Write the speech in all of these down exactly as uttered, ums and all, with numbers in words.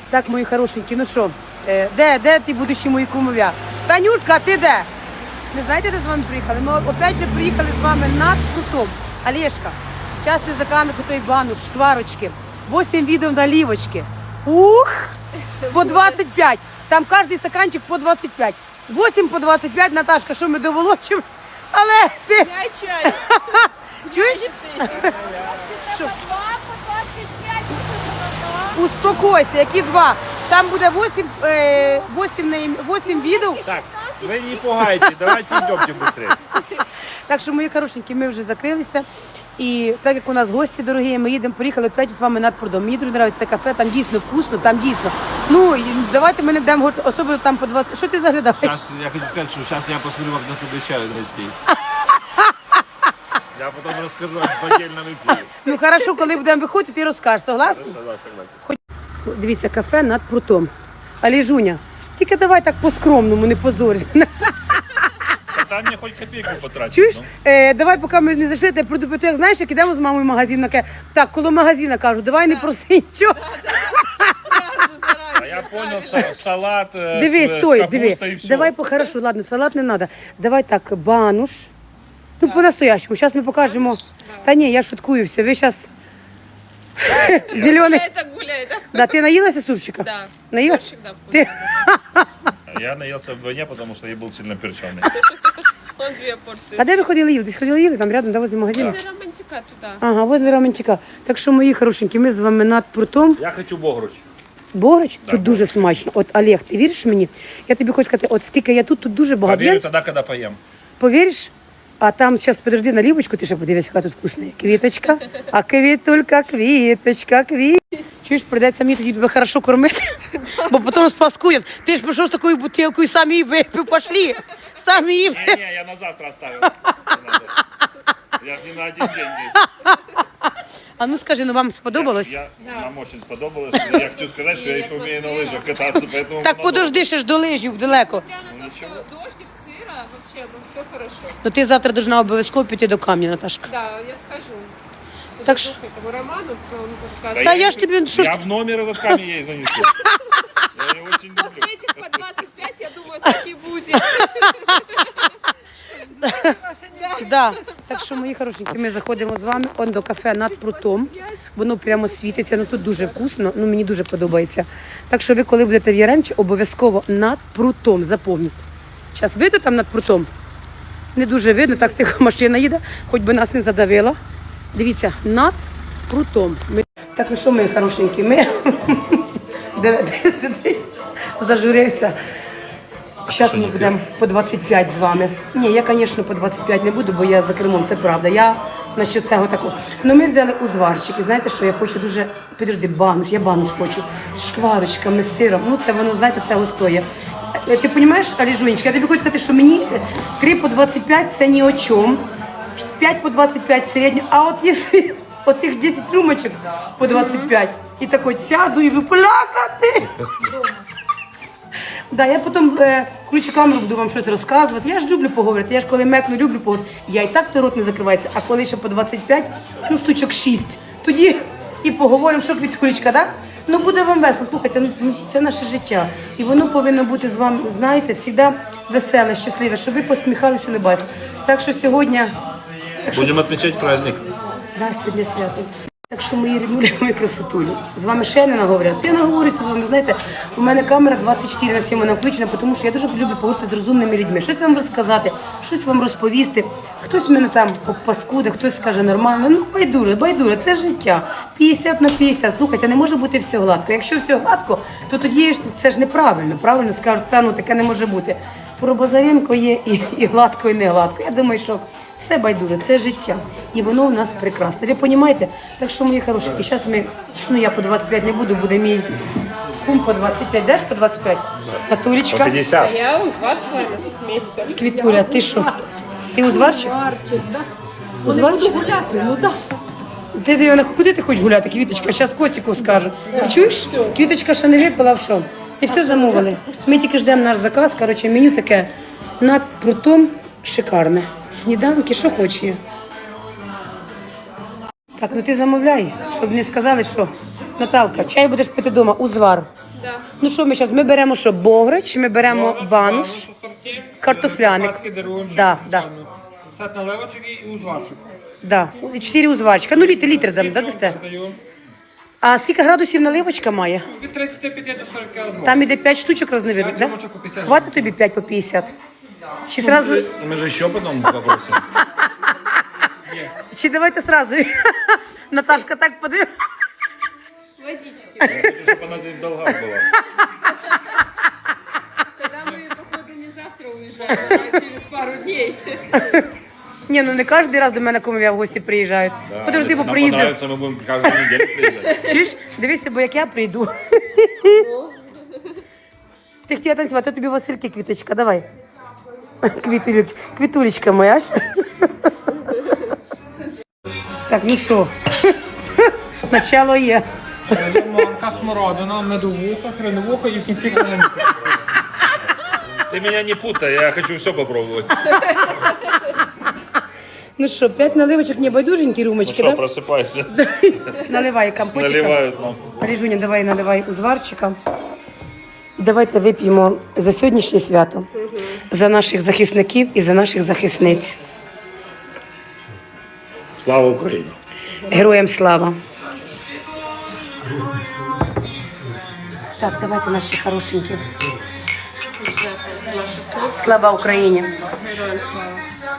Так, мої хорошенькі, ну що, е, де, де ти будущі мої кумов'я? Танюшка, а ти де? Не знаєте, де з вами приїхали? Ми опять же приїхали з вами над Крутом. Олешка, зараз ти заканеш у той бануш, шкварочки, вісім відео наливочки. Ух, по двадцять п'ять. Там кожен стаканчик по двадцять п'ять. вісім по двадцять п'ять, Наташка, що ми доволочимо? Але ти... Я чай. Чуєш? Що? Успокойся, які два? Там буде вісім, е, вісім, вісім відео. Так, вы не пугайтесь, давайте идемте быстрее. Так що, мої хорошенькі, ми вже закрилися. І так як у нас гості дорогі, ми їдемо, поїхали опять з вами над Прудом. Мені дуже подобається це кафе, там дійсно вкусно, там дійсно. Ну, і давайте ми не будемо говорити, особливо там по двадцять. Що ти заглядаєш? Сейчас я хочу сказать, что сейчас я посмотрю, как нас угощают гостей. Я потом расскажу в отдельном эфире. Ну, хорошо, коли будемо виходити, ти розкажеш, согласна? Согласен, согласен. Дивіться, кафе над Прутом. Але, Жуня, тільки давай так по-скромному, не позорись. Там мне хоть копейку потратить. Чуєш? ну. Е, давай, поки ми не зайшли, я прийду, як знаєш, як ідемо з мамою в магазин, таке, так, коло магазина кажу, давай не проси нічого. Сразу заранее. А я понял, са- салат э, Дивись, с, стой, с диви. капустой и все. Давай, по- хорошо, ладно, салат не треба. Давай так, бануш. Ну, по-настоящему. Зараз ми покажемо. Та ні, я шуткую все. Ви зараз зелений. Это гуляй, да? Да, ти наїлася супчика? Да. Наїлася? Всегда вкусно. Ти... Я наелся вдвойне, потому что я был сильно перченый. Он две порции. А де ви ходили їли? Десь ходили їли? Там рядом, да, возле магазину? После романтика туда. Ага, возле Романчика. Так що, мої хорошенькі, ми з вами над Прутом. Я хочу богруч. Бограч, тут дуже смачно. От, Олег, ти віриш мені? Я тобі хочу сказати, от скільки я тут, тут дуже багато. Поверю Я- тогда, когда поем. Повіриш? А там, зараз, подожди, наливочку, ти ще подивись, яка тут вкусна. Квіточка, а квітулька, квіточка, квіт. Чуєш, прийдеться мені тоді тебе хорошо кормити, бо потім спаскують. Ти ж прийшов з такою бутилкою, самі її випив, пошли. Самі її випив. Не-не, я на завтра оставил. Не надо. Я ж не на один день здесь. А ну скажи, ну вам сподобалось? Я, нам очень сподобалось. Я хочу сказать, что я еще умею на лыжах кататься, поэтому... Так надо- подожди, ще ж до лижів далеко. Прямо на всё. Дождик, сыро, вообще, ну все хорошо. Ну ти завтра должна обов'язково піти до камня, Наташка. Да, я скажу. Так Так ш- этому Роману, он Да скажет. Та я ж тобі, що ж Я ти- в номер этот камень ей занесу. Я ее очень После люблю. этих по двадцать пять, я думаю, так и будет. Да. Так що, мої хорошенькі, ми заходимо з вами он до кафе над Прутом. Воно прямо світиться, ну тут дуже вкусно, ну мені дуже подобається. Так що ви, коли будете в Яремчі, обов'язково над Прутом, запам'ятайте. Зараз видно там над Прутом? Не дуже видно, так тихо машина їде, хоч би нас не задавила. Дивіться, над Прутом. Ми... Так, ну що, мої хорошенькі, ми... Де, де сидить? Зажурився. Зараз ми будемо по двадцять п'ять з вами. Ні, я, звісно, по двадцять п'ять не буду, бо я за кермом, це правда. Я насчет цього такого. Ну, ми взяли узварчик, і знаєте, що я хочу дуже, підожди, бануш, я бануш хочу, з шкварочками, з сиром. Ну, це воно, знаєте, це стоїть. Е, Ти розумієш, Аліжунечка, я тобі хочу сказати, що мені три по двадцять п'ять це ні о чому, п'ять по двадцять п'ять середньо, а от якщо от тих десять рюмочок по двадцять п'ять, і так от сяду і буду плакати. Да, я потім е, включу камеру, буду вам щось розказувати. Я ж люблю поговорити. Я ж коли мекну, люблю поговорити. Я і так то рот не закривається, а коли ще по двадцять п'ять, ну штучок шість, тоді і поговоримо, що Квітулечка, так? Ну буде вам весело. Слухайте, ну це наше життя. І воно повинно бути з вами, знаєте, завжди веселе, щасливе, щоб ви посміхалися, улыбались. Так що сьогодні... Так що... Будем отмечать праздник. Да, сьогодні свято. Так що мої ріднулі, мої красотулі. З вами ще не наговорюся. Я наговорюся з вами, знаєте, у мене камера двадцять чотири на сім вона включена, тому що я дуже люблю поговорити з розумними людьми. Щось вам розказати, щось вам розповісти. Хтось мене там паскуде, хтось скаже нормально. Ну, байдуже, байдуже, це життя. п'ятдесят на п'ятдесят. Слухайте, не може бути все гладко. Якщо все гладко, то тоді ж це ж неправильно. Правильно скажуть, та ну таке не може бути. Про Базаренко є і, і гладко, і не гладко. Я думаю, що все байдуже, це життя. І воно у нас прекрасне. Ви розумієте? Так що, мої хороші, і зараз ми, ну я по двадцять п'ять не буду, буде мій кум по двадцять п'ять. Даш по двадцять п'ять? Натулечка. По пятьдесят. Я узвар с вами вместе. Квітуля, ти що? Ти узварчик? Марчик, да? Узварчик? Вони буду гуляти, ну да. Ти, ти, куди ти хочеш гуляти, Квіточка? Зараз Костіку скажу. Ти чуєш? Квіточка ще не випила, в що? Ти все замовили. Ми тільки ждемо наш заказ. Коротше, меню таке над Прутом шикарне. Сніданки, що хочеш є. Так, ну ти замовляй, щоб не сказали, що Наталка, чай будеш пити вдома, узвар. Да. Ну що ми зараз? Ми беремо що? Бограч, ми беремо бануш, картофляник. Да, да. Сет наливочок і узварчик. Да. Чотири узварчика. Ну літр, літр дам, да, дасте? Даю. А скільки градусів наливочка має? Від тридцяти п'яти до сорока. Там іде п'ять штучок розневидних, да? Наливочок по п'ятдесят. Хватить тобі п'ять по п'ятдесят? Чи сразу... Мы же еще потом попросим. Чи давайте сразу? Наташка так подивилася. Водички. Чтобы она здесь в долгах была. Тогда мы, походу, не завтра уезжаем, а через пару дней. Ні, ну не кожен раз до мене кумові в гості приїжджають. Да, Подожди, если бо нам приїду. понравится, мы будем каждую неделю приезжать. Чуєш? Дивися, бо як я прийду. Ти хотіла танцювати, а тобі Васильки квіточка, давай. Квітуліч, квітулечка моя. Так, ну що? Начало є. Манка, смородина, медовуха, хреновуха і в кінці калинка. Ты меня не путай, я хочу все попробовать. Ну що, п'ять наливочок, не байдуженькі Ну румочки, что, да? просыпайся. Наливай компотика. Наливают нам. Ріжуня, давай наливай узварчика. І давайте вип'ємо за сьогоднішнє свято, за наших захисників і за наших захисниць. Слава Украине. Героям слава. Так, давайте наші хорошенькі. Слава Україні. Героям слава.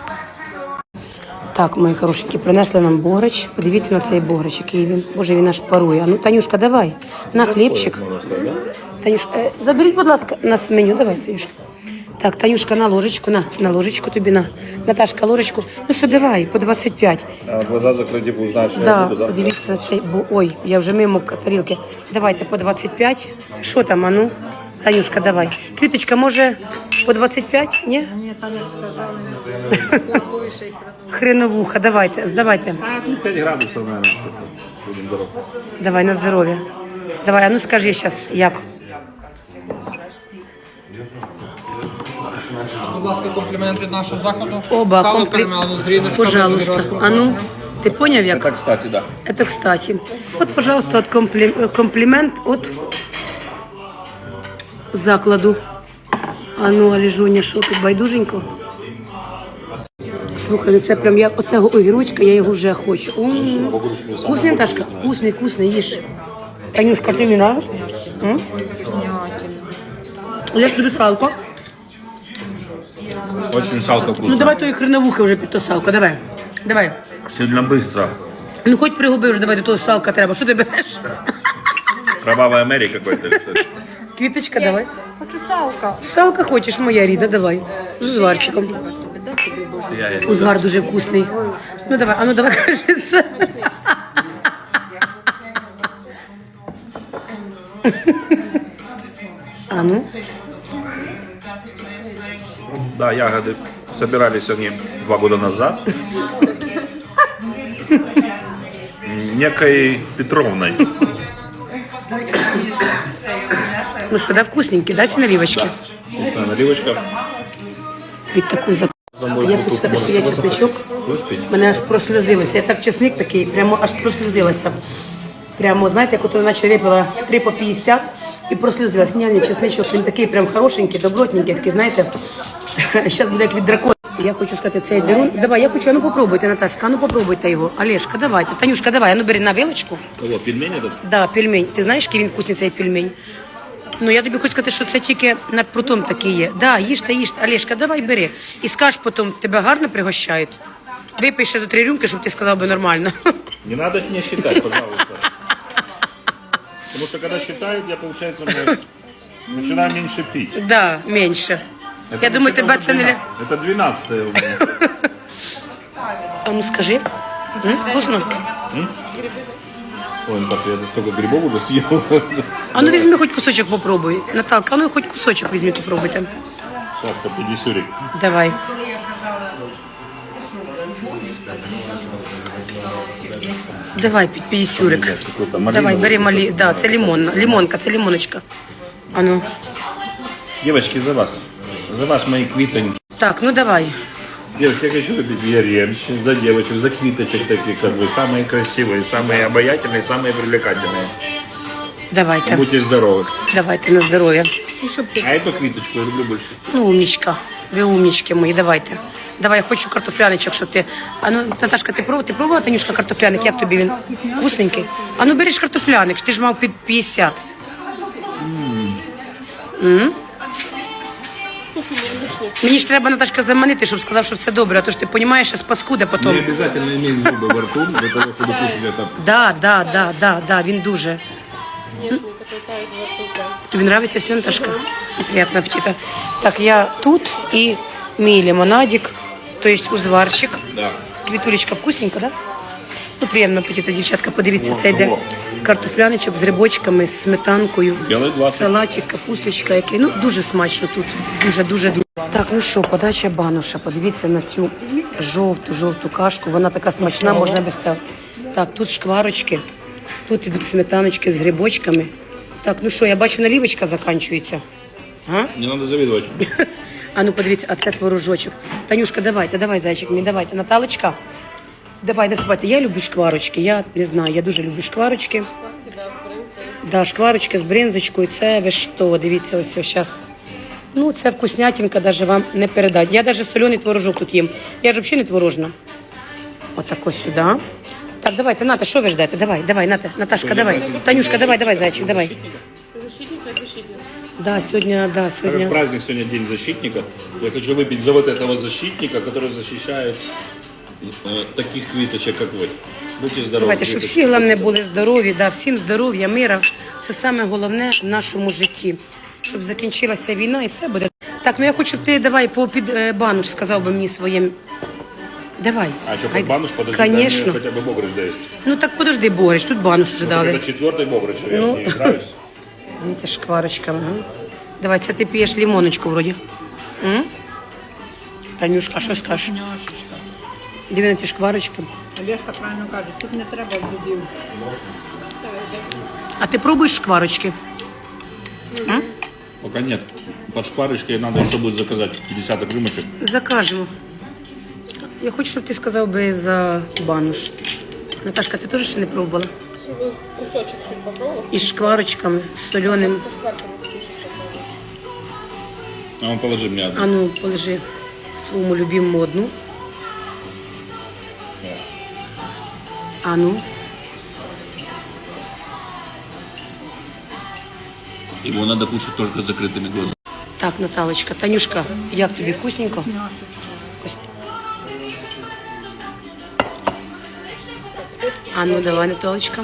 Так, мої хорошенькі, принесли нам бограч. Подивіться на цей бограч, який він. Боже, він аж парує. А ну, Танюшка, давай. На хлібчик. Танюшка, е, заберіть, будь ласка, нас меню. Давай, Танюшка. Так, Танюшка, на ложечку, на, на ложечку тобі, на. Наташка, ложечку. Ну що, давай, по двадцять п'ять. А глаза закрыты, будешь знать, что я Да, буду, да? подивіться на цей, бо, ой, я вже мимо тарілки. Давайте по двадцять п'ять. Що там, а ну? Танюшка, давай. Квіточка, може, по двадцять п'ять? Ні? Ні, там не сказали. Хреновуха, давайте, здавайте. пять градусов, наверное. Будем здоровы. Давай, на здоров'я. Давай, а ну скажи зараз, як? Будь ласка, комплімент від нашого закладу. Оба, Сало комплі... перемелено з гріночками, Пожалуйста. огірочком. А ну, ти поняв як? Это, кстати, да. Это кстати. Вот, пожалуйста, вот комплі... комплімент от закладу. А ну, Аліжуня, що тут байдуженько? Слухай, ну це прям я оцього огірочка, я його вже хочу. М. Вкусний, Наташка? Вкусний, вкусний, їж. Танюшка, ти мені нравиш? М? Як тобі салко? Очень салко вкусно. Ну давай тої хреновухи вже під то салко, давай. Давай. Сильно быстро. Ну хоч пригуби вже, давай до того салка треба. Що ти береш? Кровавая Мэри какой-то. или что? Квіточка, давай. Хочу салка. Салка хочеш, моя рідна, давай. З узварчиком. Я, я. Узвар дуже вкусний. Ну давай, а ну давай, кажи це. А ну. Да, ягоды. Собирались они два года назад. Некой Петровной. Ну що, да, вкусненькі, да, ці наливочки? Вкусная наливочка. Під таку зак... Я хочу сказати, що я чесничок. Мене аж просльозилося. Я так чесник такий, прямо аж просльозилася. Прямо, знаєте, як ото наче випила три по п'ятдесят і просльозилась. Ні, ні, чесничок, він такий прям хорошенький, добротненький, такий, знаєте. Зараз буде як від дракона. Я хочу сказати, цей дерун. Давай, я хочу, а ну попробуйте, Наташка, а ну попробуйте його. Олешка, давайте. Танюшка, давай, а ну бери на вилочку. Кого, пельмень этот? Да, пельмень. Ти знаєш, який він вкусний цей пельмень? Ну, я тобі хочу сказати, що це тільки над прутом такий є. Да, їжте, їжте. Олешка, давай бери. І скаж потім, тебе гарно пригощають. Випий ще до три рюмки, щоб ти сказав би нормально. Не надо мне считать, пожалуйста. Потому что когда считают, я, получается, мы начинаю меньше пить. Да, менше. Это Я думаю, вообще тебе це не... ля- Это двенадцатое у меня. А ну скажи. М, вкусно? Ой, ну так я столько грибов уже съел. А ну візьми хоч кусочок попробуй. Наталка, а ну хоч кусочок візьми попробуйте. Сейчас по пятидесюрик. Давай. Давай, під п'ятдесюрик. Какой-то малиновый. Давай, бери малі. Да, це лимон. Лимонка, це лимоночка. А ну. Девочки, за вас. За вас, мои квитоньки. Так, ну давай. Девочки, я хочу выпить варенье за девочек, за квиточек таких, как вы. Самые красивые, самые обаятельные, самые привлекательные. Давайте, Будьте здоровы. давайте на здоров'я. А эту квиточку я люблю больше. Ну, умнічка, ви умнічки мої, давайте. Давай, я хочу картофляничок, щоб ти... А ну, Наташка, ти пробувала, ти пробувала, Танюшка, картофляник? Як тобі він? Вкусненький? А ну, береш картофляник, ти ж мав під п'ятдесят. М? Мені ж треба, Наташка, заманити, щоб сказав, що все добре, а то ж ти розумієш, що паскуда Не потім. обязательно иметь зубы во рту для того, чтобы кушать это. Да, да, да, да, да, він дуже. Тобі подобається все, Наташка? Приятного аппетита. Так, я тут і мій лимонадик, то есть узварчик. Да. Квітулечка вкусненька, да? Ну, приємного апетита, дівчатка. Подивіться, О, це йде о. картофляничок з грибочками, з сметанкою, Білий глазик. салатик, капусточка, який. Ну, дуже смачно тут. Дуже, дуже, дуже. Так, ну що, подача бануша. Подивіться на цю жовту, жовту кашку. Вона така смачна, можна без цього. Так, тут шкварочки, тут ідуть сметаночки з грибочками. Так, ну що, я бачу, налівочка закінчується. А? Не надо завидовать. А ну подивіться, а це творожочок. Танюшка, давайте, давай, зайчик мій, давайте. Наталочка, давай, насипайте. Я люблю шкварочки, я не знаю, я дуже люблю шкварочки. Да, шкварочки з бринзочкою, це ви що, дивіться, ось ось зараз. Ну, це вкуснятинка, навіть вам не передати. Я навіть соляний творожок тут їм. Я ж взагалі не творожна. Отак ось сюди. Так, давайте, Ната, що ви ждете? Давай, давай, Ната, Наташка, давай. Танюшка, давай, давай, зайчик, давай. Да, сегодня, да, Так как сегодня. праздник сегодня День защитника, я хочу выпить за вот этого защитника, который защищает э, таких квиточек, как вы. Будьте здоровы. Давайте, щоб квиточки. всі, головне, були здорові, да, всім здоров'я, мира. Це саме головне в нашому житті. Щоб закінчилася війна і все буде. Так, ну я хочу, щоб ти давай по під е, бануш сказав би мені своїм. Давай. А что, под Гайда. бануш подожди, дай мне Конечно. хотя бы богрыч доесть. Ну так подожди, Борич, тут бануш вже Ну, так дали. это четвертый богрыч, я Ну. же не играюсь. Дивіться, шкварочками. Ага. Давай, це ти п'єш лимоночку вроді. М? Танюшка, а що скажеш? Диви на ці шкварочки. Олежка правильно каже, тут не треба зубів. А ти пробуєш шкварочки? М? Пока нет. Под шпарочкой надо еще будет заказать десяток рюмочек. Закажемо. Я хочу, щоб ти сказав би за бануш. Наташка, ти теж ще не пробувала? Кусочок чуть попробував. Із шкварочками, з соленим. А он положи мне одну. А ну, положи своєму любимому одну. А ну. Его надо кушать только с закрытыми глазами. Так, Наталочка, Танюшка, як тобі вкусненько? Ось. А ну, давай, Наталочка.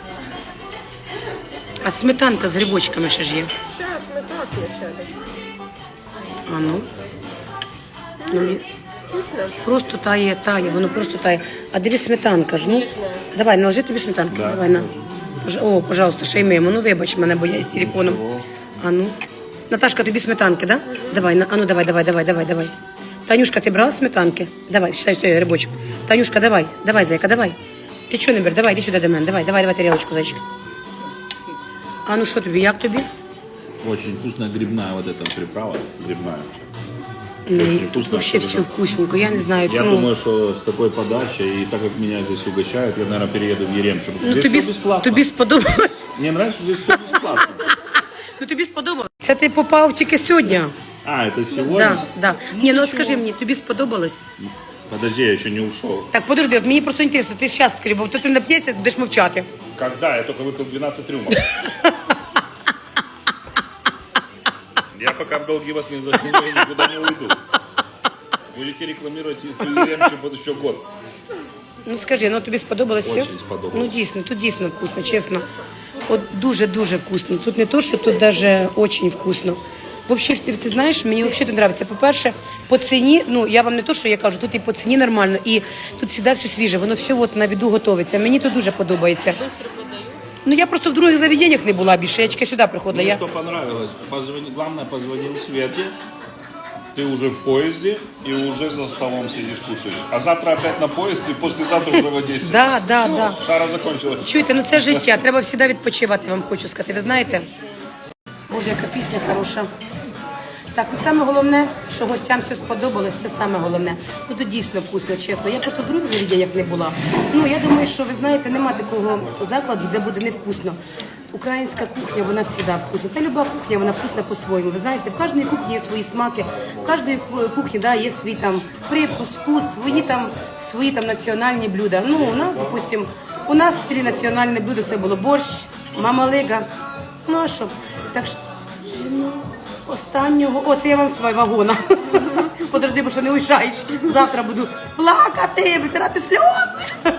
А сметанка з грибочками ще ж є. Зараз ми так лишили. А ну. Ну, мені- просто тає, тає, воно просто тає. А дивись, сметанка ж, ну. Давай, наложи тобі сметанки. Да. Давай, на. Пож- О, пожалуйста, ще й мимо. Ну, вибач мене, бо я з телефоном. А ну. Наташка, тобі сметанки, да? Давай, на. А ну, давай, давай, давай, давай, давай. Танюшка, ти брала сметанки? Давай, считай, стой, грибочок. Танюшка, давай, давай, зайка, давай. Ти чого не береш? Давай, іди сюди до мене. Давай, давай, давай тарілочку, зайчик. А ну, що тобі, як тобі? Очень вкусная грибная вот эта приправа. Грибная. Ні, Очень тут вкусно. взагалі все вкусненько, я не знаю. Я ну, думаю, что с такой подачей, и так как меня здесь угощают, я, наверное, перееду в Еремчу. потому что ну здесь тобі, все бесплатно. тобі сподобалось? Мне нравится, что здесь все бесплатно. Ну тобі сподобалось? Це ти попав тільки сьогодні. А, это сегодня? Да, да. Ні, ну от скажи мені, тобі сподобалось? Подожди, я еще не ушел. Так, подожди, от мені просто інтересно, ти зараз скажи, бо то ти нап'єшся, будеш мовчати. Когда? Я только выпил двенадцать рюмок. Я пока в долги вас не загнул, я никуда не уйду. Будете рекламировать Еремчу под еще год. Ну скажи, ну тобі сподобалось все? Очень сподобалось. Ну дійсно, тут дійсно вкусно, чесно. От дуже-дуже вкусно. Тут не то, що тут даже очень вкусно. Взагалі, ти знаєш, мені взагалі тут подобається. По-перше, по ціні, ну я вам не то, що я кажу, тут і по ціні нормально, і тут завжди все свіже, воно все от на виду готовиться. Мені тут дуже подобається. Ну я просто в других заведеннях не була більше, я тільки сюди приходила. Мне Я... что понравилось, позвони, главное, позвонил Свете, ты уже в поезде и уже за столом сидишь, кушаешь. А завтра опять на поезде, и послезавтра уже в Одессе. Да, да, да. Шара закончилась. Чуєте, ну це життя, треба завжди відпочивати, я вам хочу сказати. Ви знаєте? Боже, яка пісня хороша. Так, і саме головне, що гостям все сподобалось, це саме головне. Ну тут дійсно вкусно, чесно. Я просто в других заведеннях не була. Ну я думаю, що ви знаєте, нема такого закладу, де буде невкусно. Українська кухня, вона завжди вкусна. Та люба кухня, вона вкусна по-своєму. Ви знаєте, в кожній кухні є свої смаки, в кожній кухні да, є свій там привкус, вкус, свої там, свої там національні блюда. Ну, у нас, допустим, у нас в селі національне блюдо це було борщ, мамалига. Ну, а що? Так що, ну, останнього, о, це я вам свій вагона. Подожди, бо що не уїжджаєш. Завтра буду плакати, витирати сльози.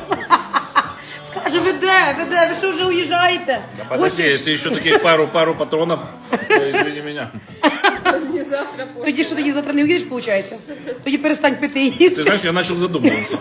Скажу, ви де, ви де, ви що вже уїжджаєте? Подожди, если еще таких пару, пару патронов, то извини меня. Не завтра, после. Тоді що, тоді завтра не уїдеш, виходить? Тоді перестань пити і їсти. Ты знаешь, я начал задумываться.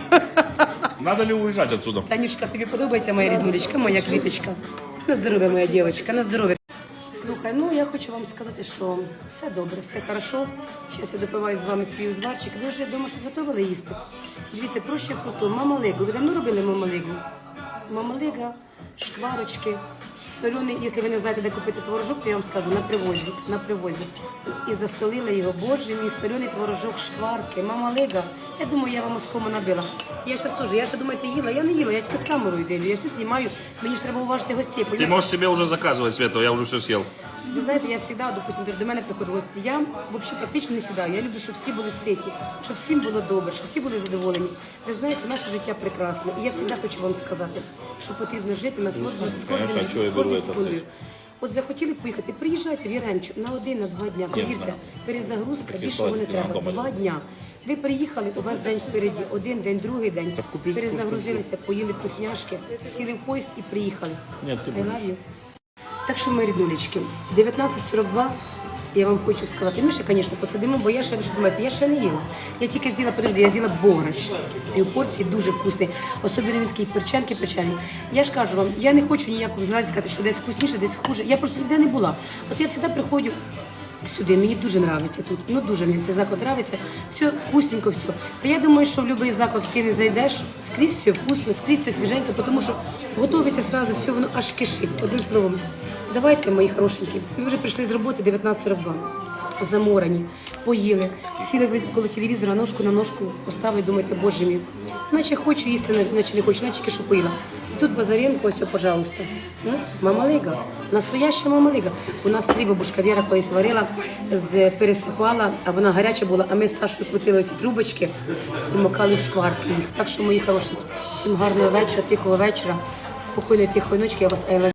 Надо ли уезжать отсюда? Танюшка, тобі подобається моя ріднулечка, моя квіточка? На здоров'я, моя дівчинка, на здоров'я. Слухай, ну я хочу вам сказати, що все добре, все хорошо. Зараз я допиваю з вами свій узварчик. Ви вже вдома щось готували їсти? Дивіться, проще просто мамалигу. Ви давно робили мамалигу? Мамалига, шкварочки, соляний, якщо ви не знаєте, де купити творожок, то я вам скажу, на привозі, на привозі. І засолила його, боже мій, соляний творожок, шкварки, мамалига. Я думаю, я вам оскому набила. Я зараз теж, я ще думаєте, їла, я не їла, я тільки з камерою дивлю, я все знімаю, мені ж треба уважити гостей. Ты можешь себе уже заказывать, Света, я уже все съел. Ви знаєте, я завжди, допустим, до мене приходить гості. Я взагалі практично не сідаю. Я люблю, щоб всі були ситі, щоб всім було добре, щоб всі були задоволені. Ви знаєте, наше життя прекрасне. І я завжди хочу вам сказати, що потрібно жити, насолоджуватися кожним Конечно, що я беру кожною це секундою. От захотіли поїхати, приїжджайте в Яремчу на один, на два дня. Повірте, перезагрузка, більшого не треба. Два дня. Ви приїхали, у вас день впереді, один день, другий день. Перезагрузилися, поїли вкусняшки, сіли в поїзд і приїхали. Ні, ти I love you. Так що, мої ріднулечки, дев'ятнадцять сорок два, я вам хочу сказати, ми ще, звісно, посидимо, бо я ще, ви що думаєте, я ще не їла. Я тільки з'їла, подожди, я з'їла борщ. І в порції дуже вкусний, особливо він такий перченки печені. Я ж кажу вам, я не хочу ніякого зразу сказати, що десь вкусніше, десь хуже. Я просто ніде не була. От я завжди приходжу сюди, мені дуже подобається тут, ну дуже мені цей заклад подобається, все вкусненько, все. Та я думаю, що в будь-який заклад ти не зайдеш, скрізь все вкусно, скрізь все свіженько, тому що готується одразу, все воно аж кишить, одним словом. Давайте, мої хорошенькі, ви вже прийшли з роботи дев'ятнадцять сорок два, заморані, поїли, сіли ви коло телевізора, ножку на ножку поставили, думаєте, боже мій, наче хочу їсти, наче не хочу, наче тільки що поїла. Тут Базаренко, ось, пожалуйста. Ну, мамалига, настояща мамалига. У нас селі бабушка Віра колись варила, з, пересипала, а вона гаряча була, а ми з Сашою крутили оці трубочки і макали в шкварки їх. Так що, мої хороші, всім гарного вечора, тихого вечора, спокійної, тихої ночки, я вас I love you.